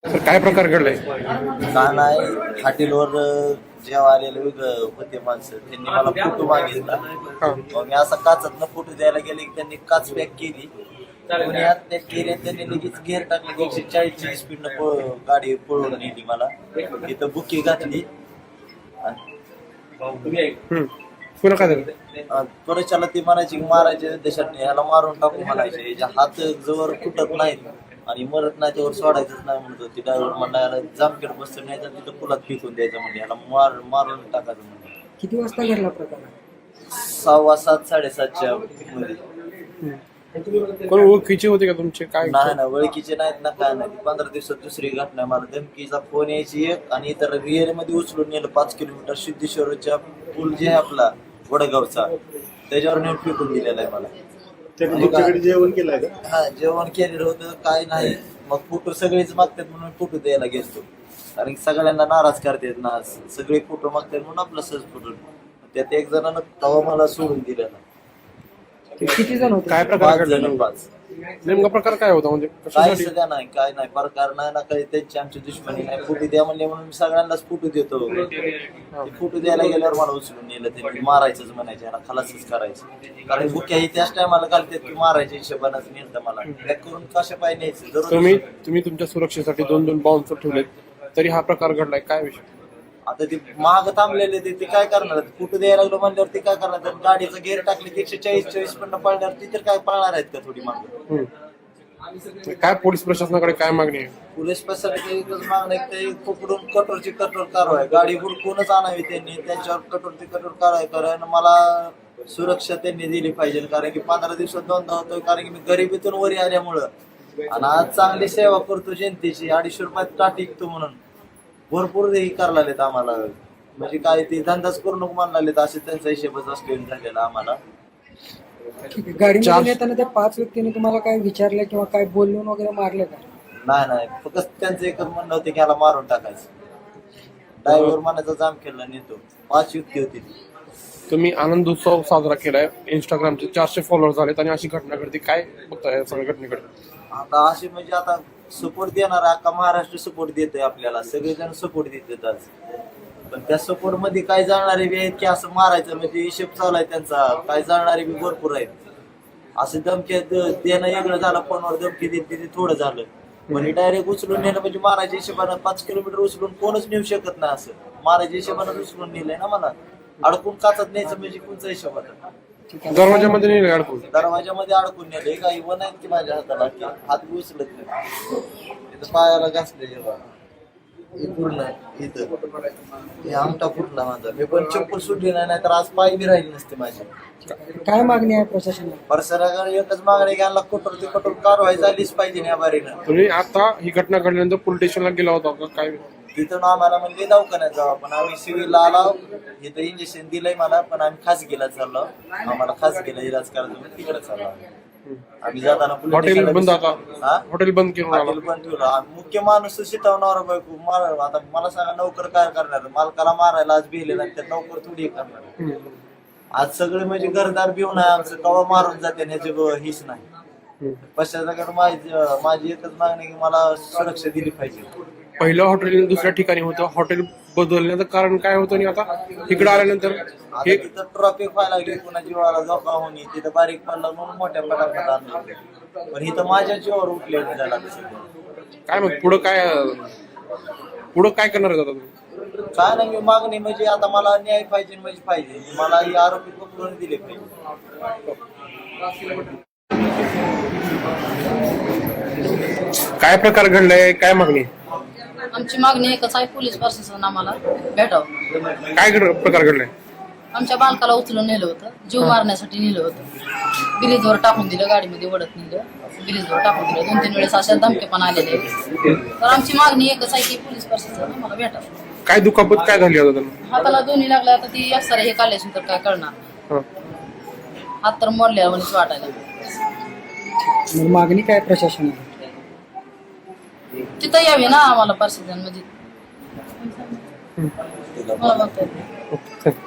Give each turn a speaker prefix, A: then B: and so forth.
A: तर काय प्रकार घडलाय?
B: का नाही हॉटेलवर जेव्हा आलेले होते माणसं त्यांनी मला फोटो मागितला. मग मी असा काचातनं फोटो द्यायला गेले की त्यांनी काच पॅक केली. कोणी आत पॅक केली आणि त्यांनी लगेच गेअर टाकले. 140ची स्पीडनं गाडी पळवून नेली. मला तिथं बुकी घातली.
A: पुन्हा काय झालं?
B: त्वरेच्याला ती म्हणायची मारायचे देशात ह्याला मारून टाकू म्हणायचे. याच्या हात जवळ फुटत नाहीत आणि मरत नाही त्यावर सोडायचंच नाही म्हणत होती. ड्रायव्हर म्हणला याला जामखेड बसतं नाही तर तिथं पुलात फेकून द्यायचं म्हणजे याला मारून टाकायचं म्हणजे.
C: किती वाजता घडला प्रकार?
B: 6:15 7:30च्या मध्ये.
A: कोण ओळखीचे होते का तुमचे? काय
B: नाही ना ओळखीचे नाहीत ना काय नाही. 15 दिवसात दुसरी घटना. मला धमकीचा फोन यायची एक आणि इतर रिअर मध्ये उचलून नेलं 5 किलोमीटर सिद्धेश्वरच्या पूल जे आहे आपला वडगावचा त्याच्यावर नेऊन फेकून दिलेला आहे मला.
D: जेवण केलंय का?
B: हा जेवण केलेलं होतं काय नाही. मग फोटो सगळेच मागतात म्हणून फोटो द्यायला गेलो. कारण की सगळ्यांना नाराज करतात ना. सगळे फोटो मागतात म्हणून आपला सहज फोटो. त्यात एक जणांना तवा मला सोडून दिलेला.
C: किती जण होते?
A: काय प्रकार
B: 5
A: घडला?
B: जण 5.
A: नेमका प्रकार काय होता म्हणजे
B: काय
A: कशासाठी?
B: सगळ्या नाही काय नाही प्रकार नाही ना काही. त्यांची आमची दुश्मनी नाही. फोटो द्या म्हणले म्हणून मी सगळ्यांनाच फोटो देतो. फोटो द्यायला गेल्यावर मला उचलून नेलं. त्यांनी मारायचंच म्हणायचे याला खलासच करायचं. कारण बुक्या ही त्याच टायमाला घालतात की मारायच्या हिशोबानंच नेलं मला. बॅक करून कशा पाय न्यायचं जरूर.
A: तुम्ही तुमच्या सुरक्षेसाठी 2 बाउन्सर ठेवलेत तरी हा प्रकार घडलाय. काय विषय?
B: आता ते महाग थांबलेले ते काय करणार? फोटो द्यायला लागलो म्हणल्यावर ते काय करणार? तर गाडीचं गेअर टाकले की 140 पण पळणार. ती तर काय पळणार आहेत का थोडी मागं?
A: काय पोलीस प्रशासनाकडे काय मागणी आहे?
B: पोलीस प्रशासनाची एकच मागणं आहे की ते पकडून कठोरची कठोर कारवाई. गाडी हुडकूनच आणावी त्यांनी. त्यांच्यावर कठोरची कठोर कारवाई कारण मला सुरक्षा त्यांनी दिली पाहिजे. कारण की 15 दिवसात 2दा होतोय. कारण की मी गरिबीतून वरी आल्यामुळं आणि आज चांगली सेवा करतो जनतेची. 250 रुपयात टाट टिकतो म्हणून भरपूर हे करायला लागलेत आम्हाला. म्हणजे काय ते धंदाच करू नको म्हणाले असे त्यांचा हिशेबच असलेला झालेला आम्हाला.
C: गाडीमध्ये येताना त्या 5 व्यक्तींनी तुम्हाला काय विचारलं किंवा काय बोलून वगैरे मारले का?
B: नाही फक्त त्यांचं एकच म्हणणं होतं की याला मारून टाकायचं. ड्रायव्हर मनाचा जाम केला नेतो. 5 युक्ती होती.
A: तुम्ही आनंद उत्सव साजरा केलाय. इंस्टाग्रामचे 400 फॉलोअर झालेत आणि अशी घटना घडते. काय बघताय सगळ्या घटनेकडे?
B: आता अशी म्हणजे आता सपोर्ट देणार अख्खा महाराष्ट्र सपोर्ट देतोय आपल्याला. सगळेजण सपोर्ट देतात आज. पण त्या सपोर्ट मध्ये काय जाणारे बी आहेत की असं मारायचं म्हणजे हिशेब चालू आहे त्यांचा. काय जाणारे बी भरपूर आहेत. असं धमकी देणं वेगळं झालं. फोनवर धमकी देते ते थोडं झालं. पण डायरेक्ट उचलून नेलं म्हणजे मारायच्या हिशोबानं 5 किलोमीटर उचलून कोणच नेऊ शकत नाही. असं मारायच्या हिशोबानं उचलून नेलंय ना मला. अडकून काचत न्यायचं म्हणजे कोणचा हिशोब आता?
A: दरवाजामध्ये नाही अडकून?
B: दरवाजामध्ये अडकून नेले. काही वन आहेत की माझ्या हाताला की हात बी उचलत नाही. तिथं पायाला घासले पूर्ण इथं हे आमटा फुटला माझा. मी पण चप्पल सुटली नाही तर आज पाय बी राहिली नसते माझी.
C: काय मागणी आहे प्रशासनाला?
B: परसराकडे एकच मागणी घ्यायला कठोर ते कठोर कारवाई झालीच पाहिजे या बारीनं.
A: तुम्ही आता ही घटना घडल्यानंतर पोलीस स्टेशनला गेला होता का? काय
B: तिथून आम्हाला म्हणजे दवाखान्यात जावं पण आम्ही सिव्हिलला आलो. इथं इंजेक्शन दिलंय मला पण आम्ही खासगीला चाललो. आम्हाला खासगीला इलाज करायचं तिकडे चाललो. आम्ही जाताना
A: हॉटेल बंद आता? हॉटेल बंद केलं.
B: हॉटेल बंद ठेवलं. मुख्य माणूस शिटवणार बायको मार. आता मला सांगा नोकर काय करणार? मालकाला मारायला आज भिले नाही तर नोकर थोडी करणार. आज सगळे म्हणजे घरदार भिवून आहे आमचं. कवा मारून जाते ह्याची हीच नाही. पश्चात माझी एकच मागणी की मला सुरक्षा दिली पाहिजे.
A: पहिलं हॉटेल दुसऱ्या ठिकाणी होतं. हॉटेल बदलण्याचं कारण काय होतं आणि आता इकडे आल्यानंतर
B: हे तिथं ट्रॉफिक व्हायला लागली. पुन्हा जीवाला धोका होणे. तिथं बारीक पडला म्हणून मोठ्या पटापट आणलं. पण इथं माझ्या जीवावर उठले झाला.
A: काय मग पुढं काय करणार आहे आता तुम्ही?
B: काय नाही मी मागणी म्हणजे आता मला न्याय पाहिजे म्हणजे पाहिजे. मला ही आरोपी पकडून दिले पाहिजे.
A: काय प्रकार घडलाय? काय मागणी?
E: आमची मागणी एकच आहे. पोलीस प्रशासन आम्हाला भेटावं.
A: काय प्रकार घडलाय?
E: आमच्या बालकाला उचलून नेलं होतं. जीव मारण्यासाठी नेलं होतं. ब्रिजवर टाकून दिलं. गाडीमध्ये ओढत नेलं. ब्रिजवर टाकून दिलं. 2-3 वेळेस अशा धमके पण आलेले. तर आमची मागणी एकच आहे की पोलीस प्रशासन आम्हाला भेटावं.
A: काय दुखापत काय झाली आता त्यांना?
E: हाताला दोन्ही लागल्या. आता ती एक्सरे हे काढल्याशी तर काय कळणार? हात तर मोडल्या म्हणून वाटायला.
C: मागणी काय प्रशासनाला?
E: तिथं यावे ना आम्हाला प्रशासन म्हणजे.